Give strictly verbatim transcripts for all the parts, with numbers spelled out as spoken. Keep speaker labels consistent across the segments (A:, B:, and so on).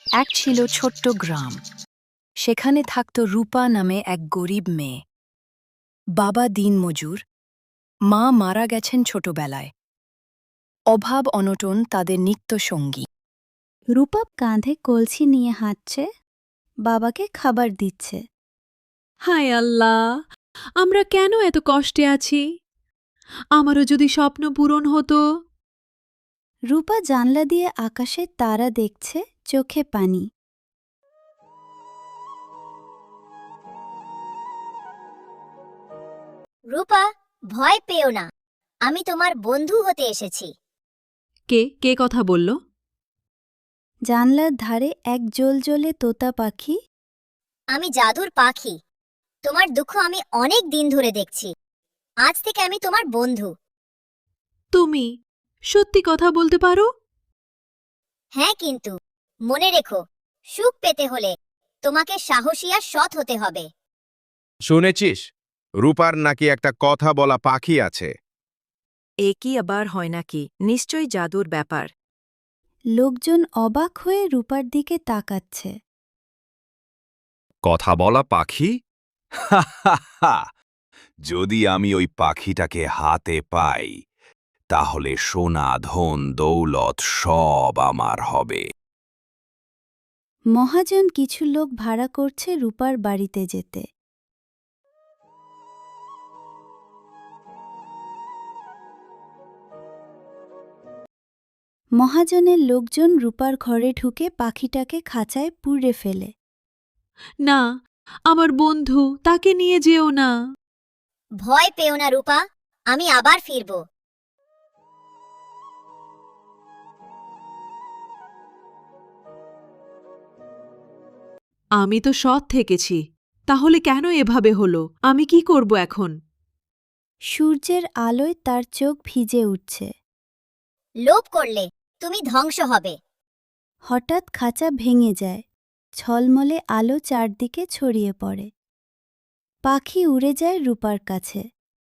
A: এক ছিল ছোট্ট গ্রাম। সেখানে থাকত রূপা নামে এক গরিব মেয়ে। বাবা দিনমজুর, মা মারা গেছেন ছোটবেলায়। অভাব অনটন তাদের নিত্য সঙ্গী।
B: রূপা কাঁধে কলসি নিয়ে হাঁটছে, বাবাকে খাবার দিচ্ছে।
C: হায় আল্লাহ, আমরা কেন এত কষ্টে আছি? আমারও যদি স্বপ্ন পূরণ হতো।
B: রূপা জানলা দিয়ে আকাশে তারা দেখছে, চোখে পানি।
D: রূপা, ভয় পেও না, আমি তোমার বন্ধু হতে এসেছি।
C: কে কে কথা বলল?
B: জানলার ধারে এক জ্বলজ্বলে তোতা পাখি।
D: আমি জাদুর পাখি, তোমার দুঃখ আমি অনেক দিন ধরে দেখছি। আজ থেকে আমি তোমার বন্ধু।
C: তুমি সত্যি কথা বলতে পারো?
D: হ্যাঁ, কিন্তু মনে রেখো, সুখ পেতে হলে তোমাকে সাহসী আর সৎ হতে হবে।
E: শুনেছিস, রূপার নাকি একটা কথা বলা পাখি আছে?
A: এ কি আবার হয় নাকি? নিশ্চয়ই জাদুর ব্যাপার।
B: লোকজন অবাক হয়ে রূপার দিকে তাকাচ্ছে।
F: কথা বলা পাখি? হা হা হা! যদি আমি ওই পাখিটাকে হাতে পাই, তাহলে সোনা ধন দৌলত সব আমার হবে।
B: মহাজন কিছু লোক ভাড়া করছে রূপার বাড়িতে যেতে। মহাজনের লোকজন রূপার ঘরে ঢুকে পাখিটাকে খাঁচায় পুড়ে ফেলে।
C: না, আমার বন্ধু, তাকে নিয়ে যেও না।
D: ভয় পেও না রূপা, আমি আবার ফিরব।
C: আমি তো সৎ থেকেছি, তাহলে কেন এভাবে হলো? আমি কি করব এখন?
B: সূর্যের আলোয় তার চোখ ভিজে উঠছে।
D: লোভ করলে তুমি ধ্বংস হবে।
B: হঠাৎ খাঁচা ভেঙে যায়, ঝলমলে আলো চারদিকে ছড়িয়ে পড়ে। পাখি উড়ে যায় রূপার কাছে।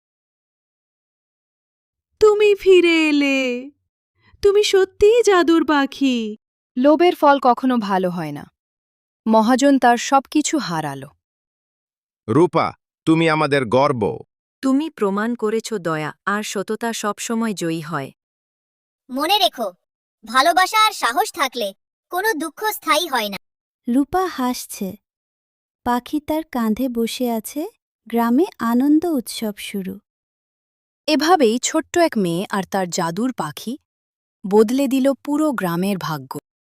C: তুমি ফিরে এলে! তুমি সত্যিই জাদুর পাখি।
A: লোভের ফল কখনো ভালো হয় না। মহাজন তার সবকিছু হারালো।
E: রূপা, তুমি আমাদের গর্ব।
A: তুমি প্রমাণ করেছ দয়া আর সততা সবসময় জয়ী হয়।
D: মনে রেখো, ভালোবাসা আর সাহস থাকলে কোনো দুঃখ স্থায়ী হয় না।
B: রূপা হাসছে, পাখি তার কাঁধে বসে আছে, গ্রামে আনন্দ উৎসব শুরু।
A: এভাবেই ছোট্ট এক মেয়ে আর তার জাদুর পাখি বদলে দিল পুরো গ্রামের ভাগ্য।